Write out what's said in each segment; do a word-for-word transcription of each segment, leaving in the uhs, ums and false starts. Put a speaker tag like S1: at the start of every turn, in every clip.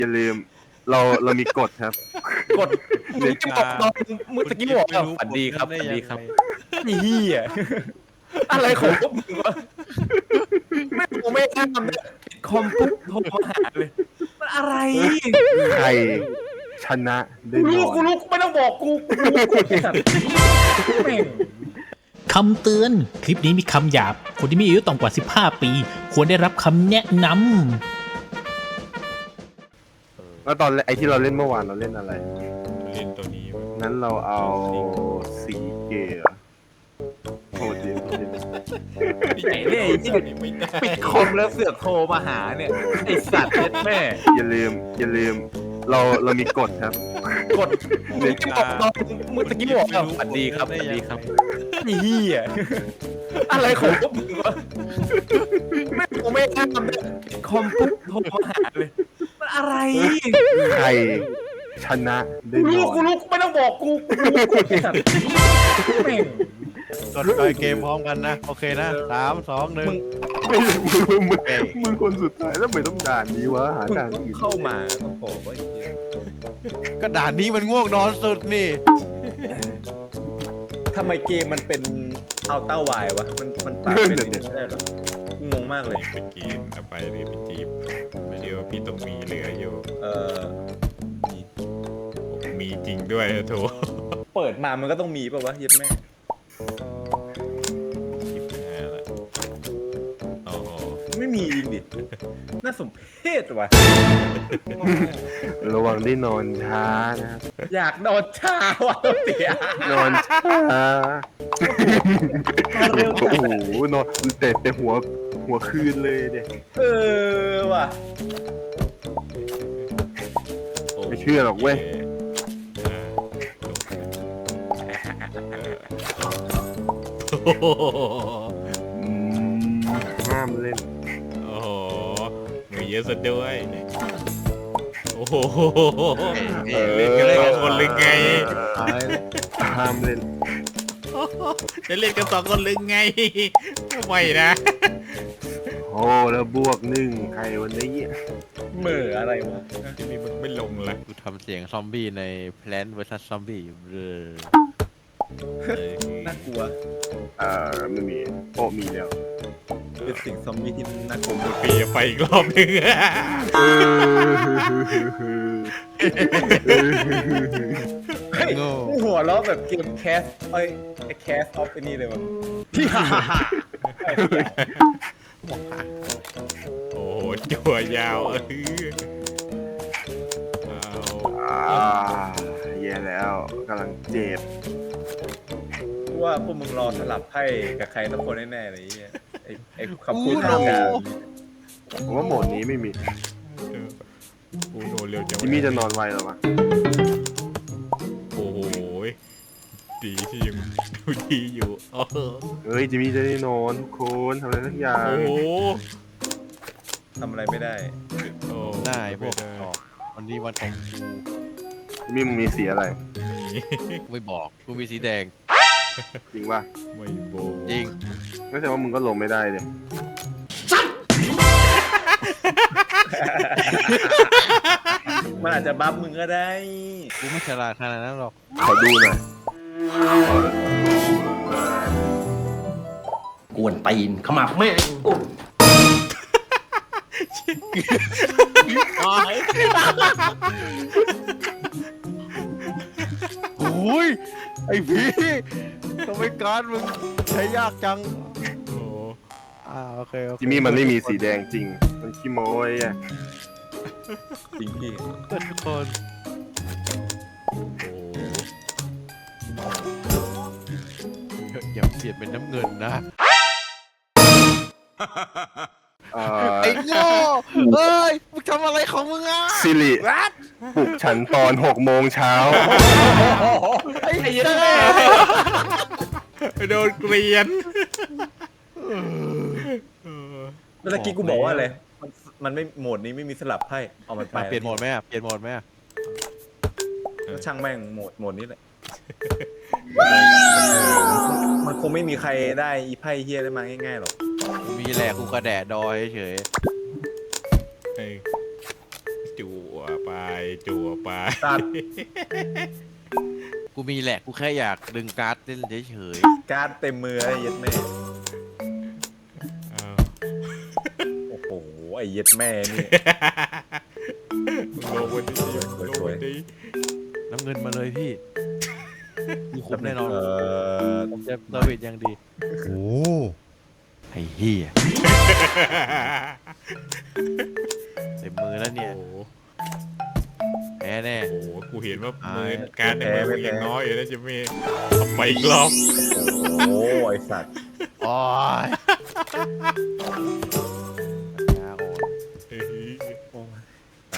S1: อย่าลืมเราเรามีกฎครับ
S2: กดมึงจะบอกตอนมึงตะกี้บอกว่าฝันดีครับฝันดีครับไอ้เหี้ยอะไรของพวกมึงวะไม่กูไม่ทำเลยคอมปุ๊บโทรมาหาเลยมันอะไร
S1: ใครชนะได้
S2: กู
S1: น
S2: รู้
S1: อน
S2: กูรู้ไม่ต้องบอกกูกูรู้กูไอ้สัตว์แม่ง
S3: คำเตือน คลิปนี้มีคำหยาบ คนที่มีอายุต่ำกว่า สิบห้า ปี ควรได้รับคำแนะนำ
S1: แล้วตอนไอที่เราเล่นเมื่อวานเราเล่นอะไร
S4: เล่นตัวนี้
S1: นั้นเราเอาสีเกลือโทษดีโทษดี
S2: ไอ้เล่ยที่
S4: ไม่ได้
S2: ปิดคอมแล้วเสือกโทรมาหาเนี่ยไอ้สัตว์เล็ดแม่
S1: อย่าลืมอย่าลืมเราเรามีกฎครับ
S2: กดมึงจะบอกตอนมึงตะกี้บอกว่าฝันดีครับฝันดีครับไอ้เหี้ยอะไรของพวกมึงวะไม่กูไม่ทำเลยคอมปุ๊บโทรมาหาเลยมันอะไร
S1: ใครชนะได้
S2: กู
S1: น
S2: รู้
S1: อน
S2: กูรู้ไม่ต้องบอกกูกูรู้กูไอ้สัตว์แม่ง
S5: กดไปเกมพร้อมกันนะ โอเคนะสามสองหนึ่ง
S1: ไม่มึงมึงมึงมึงคนสุดท้ายแล้วทำไมต้องด่านนี้วะหาด่านอื่น
S2: เข้ามาต้องบอกว่าไอ้เหี้ย
S5: ก็ด่านนี้มันง่วงนอนสุดนี่
S2: ทำไมเกมมันเป็นเอาเต้าวายวะมันมันปรับเป็นอย่างนี้ไม่ได้หรองงมากเลย
S4: เป็นเกมเอาไปเลยเป็นจีบไม่เดียวพี่ต้องมีเหลืออยู่
S2: เออ
S4: มีมีจริงด้วยโถ
S2: เปิดมามันก็ต้องมีป่าวะเย็บแม่
S4: คลิปหน้าละโอ้โห
S2: ไม่มีจริงดิน่าสมเพชว่ะ
S1: ระวังได้นอนช้านะครับ
S2: อยากนอนช้าว่ะเสีย
S1: นอนช้าโอ้โหนอนแต่แต่หัวหัวคืนเลยเด็ก
S2: เออว่ะ
S1: ไม่เชื่อหรอกเว้ย
S4: โอ้โห
S1: อืมห้ามเล่น
S4: โอ้โหมีเยอะซะด้วยโอ้โหเล่นกันสองคนเลยไง
S1: ห้ามเล่น
S4: จะเล่นกันสองคนเลยไงไม่นะ
S1: โอ้แล้วบวกหนึ่งใครวันนี้
S2: เหม่ออะไรวะ
S4: จะมีมึงไม่ลงละ
S5: กูทำเสียงซอมบี้ใน Plant vs Zombie อยู่เออ
S2: น่ากลัว
S1: อ่าไม่มีโอ้มีแล้ว
S2: เป็นสิ่งซอมบี้ที่น่ากลัว
S4: ปีไปอีกรอบนึง
S1: เออ
S2: เฮ้ย
S5: โง่
S2: กูหัวเราะแบบเกมแคสเอ้ยไอ้แคสออฟไอ้นี่เลยวะพี่ฮ่าฮ่าฮ่า
S4: โอ้โหจั่วยาวเออเอา
S1: อ่าแย่แล้วกำลังเจ็บ
S2: กูว่าพวกมึงรอสลับไพ่กับใครสักคนแน่ๆเลยไอ้เหี้ยไอ้ไอ้คำพูดทางการ
S1: ผมว่าโหมดนี้ไม่มี
S4: โอ้โหเร็วจัง
S1: จิมมี่จะนอนไวหรอวะ
S4: โอ้โหดีที่ยังดูดีอยู่โอ้โห
S1: เฮ้ยจิมมี่จะได้นอนทุกคนทำอะไรสักอย่าง
S4: โอ้โห
S2: ทำอะไรไม่ได้
S4: โอ้
S5: ได้พวก
S4: ไม่ได้
S5: ออกวันนี้วันของกู
S1: จิมมี่มึงมีสีอะไร
S5: กูไม่บอก กูมีสีแดง
S1: จริงป่ะ
S4: ไม่โบ
S5: จริง
S1: ไม่ใช่ว่ามึงก็ลงไม่ได้เลย
S2: มันอาจจะบัฟมึงก็ได้
S5: กูไม่ฉลาดขนาดนั้นหรอก
S1: ขอดูหน่อย
S6: กวนตีนขมับแม่ง
S5: โอ้ย ไอ้พี่ทำไมการดมึงใช้ยากจัง
S4: โอ้
S5: อ่าโอเคโอเค
S1: จิมมี่มันไม่มีสีแดงจริง มันขี้โม้ยอ่ะ
S2: จริงพี่
S5: เพื่อนทุกคน อย่าเปลี่ยนเป็นน้ำเงินนะ
S1: เอ่อ
S5: ไอ้โง่เอ้ย มึงทำอะไรของมึงอ่ะ
S1: ซิริปลุกฉันตอนหกโมงเช้า
S5: ไอ้เหี้ย
S4: โดนเกลียน
S2: เมื่อกี้กูบอกว่าอะไรมันมันไม่โหมดนี้ไม่มีสลับไพ่เอามันไป
S5: มาเปลี่ยนโหมดไหมอ่ะ เปลี่ยนโหมดไหมอ่ะ
S2: ช่างแม่งโหมดโหมดนี้แหละมันคงไม่มีใครได้อีไพ่เฮียได้มาง่ายๆหรอก
S5: กูมีแหละกูกระแดะดอยเฉย
S4: ไอ้จวบไปจั่วไป
S2: ตัด
S5: กูมีแหละกูแค่อยากดึงการ์ดเล่นเฉย
S2: การ์ดเต็มมือไอ้เย็ดแม่
S4: เอา
S2: โอ้โหไอ้เย็ดแม่นี่
S4: ลงวันนี้ลงวันนี้
S5: ๆน้ำเงินมาเลยพี่มีคุ้มแน่นอน
S2: เออ
S5: ผมจะเซอร์วิสอย่างดีโอ้ไอ้เหี้ยเต็มมือแล้วเนี่ย
S4: โอ้โห
S5: แพ้แน่
S4: โอ้โหกูเห็นว่ามือการในมือมึงยังน้อยอยู่นะจิมมี่เอาไปอีกรอบ
S2: โอ้ไอ้สัตว์
S5: โอ้ยยาอ่อน
S4: เฮ้ย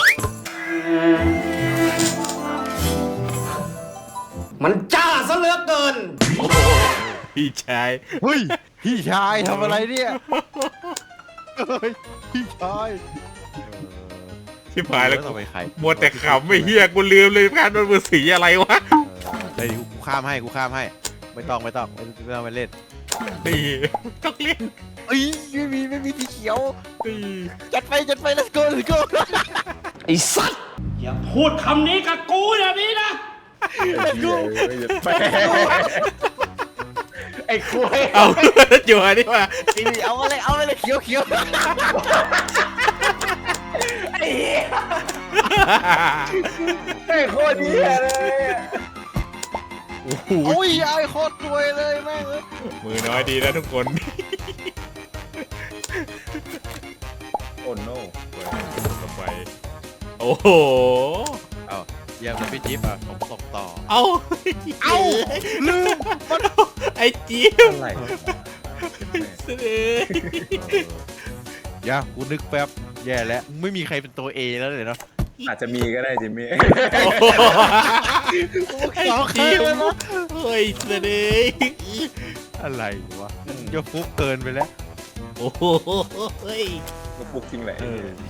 S6: มันจ้าซะเหลือเกิน
S4: โอ้โหพี่ชาย
S5: เฮ้ยพี่ชายทำอะไรเนี่ยเฮ้ยพี่ชาย
S4: ที่ผายแล้ว
S5: ต่อไปใคร
S4: มัวแต่ขำไม่เฮียกูลืมเลยการโดนมือสีอะไรวะ
S5: เฮ้ยกูข้ามให้กูข้ามให้ ไม่ต้องไม่ต้องไม่ไม่ต้องไปเล่น
S4: นี่ต้องเล่น
S5: เอ้ยไม่มีไม่มีสีเขียว
S4: นี่
S5: จัดไปจัดไป let's go let's go
S6: ไอ้สัตว์ อย่าพูดคำนี้กับกูอย่างนี้นะ
S2: ไอ้เหี้ยไอ้เย็ดแม่ไอ้คุย
S4: เอาจั่วนี่ว่า
S5: สีเอาอะไรเอาอะไรเขียวเขียว
S2: ไอ้โคตรเหี้ยเลย
S4: โอ้โห
S5: โอ้ยไอ้โคตรรวยเลยแม่งเอ้ย
S4: มือน้อยดีนะทุกคน
S2: โอ้โน่
S4: ต่อไปโอ้โห
S5: เอาเยี่ยมเลยพี่จิ๊บอ่ะผมส่งต่อ
S4: เอา
S5: เอ้าลืม
S4: ไอ้จิ๊บ
S2: อะไร
S4: เสด็จ
S5: อย่ากูนึกแป๊บแย่แล้วไม่มีใครเป็นตัว A แล้วเลยเนาะ
S2: อาจจะมีก็ได้จิมมี่
S4: ไอ้จิ๊บเฮ้ยเสด็จ
S5: อะไรวะจะฟุกเกินไปแล้ว
S4: โอ้โหเฮ้ย
S2: ก็ปลุกจริงแหละ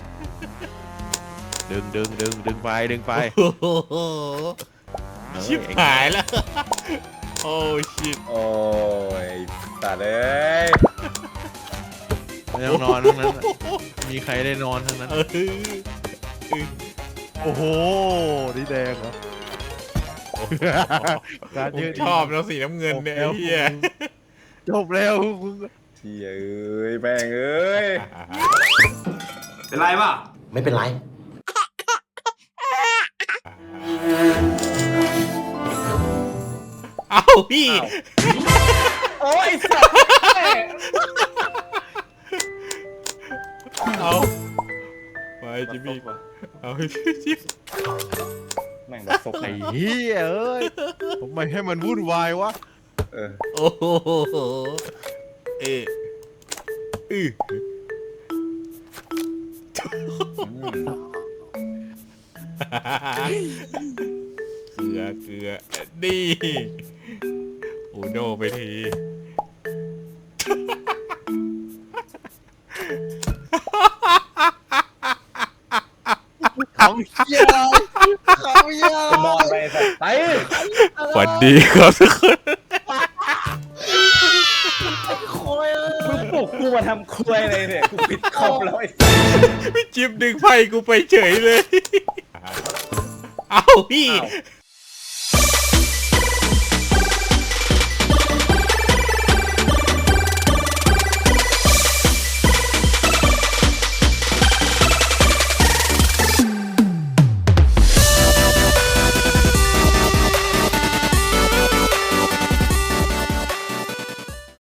S5: ดึงดึงดึงดึงไปดึงไป
S4: โอ้โหชิบหายแล้ว โอ้ชิบ
S2: โอ้ยตัดเลย
S5: ไม่ต้องนอนทั้งนั้นน่ะมีใครได้นอนทั้งนั้น
S4: เออ
S5: โอ้โหนี่แดงเหรอการ
S4: ผม
S5: เยอะ
S4: ชอบแล้วสีน้ำเงินเนี่ยไอ้เหี้ย
S5: จบแล้วมึง
S2: เชี่ยเอ้ยแม่งเอ้ย
S6: เป็นไรป่ะ ไม่เป็นไร
S4: เอ้าพี่
S2: โอ้ยสัตว์
S4: เอาไปจิมมี่เอาจิ๊บ
S2: แม่งแบบซก
S5: ไอ้เหี้ยเอ้ยทำไมให้มันวุ่นวายวะ
S2: เออ
S4: โอ้โหเอ๊ะอือ เกลือเกลือนี่โอ้โนไปที
S5: เขาเหี้ยอะไรเขาเหี้ยอะไร
S2: นอนไปสัตว์ไป
S4: ฝันดีครับทุกคน
S5: โคยเอ้ย
S2: มึงปลุกกูมาทำครัวอะไรเนี่ยกูปิดคอมแล้วไอ้
S4: พี่จิ๊บดึงไพ่กูไปเฉยเลย เอ้าพี่
S2: อ้าว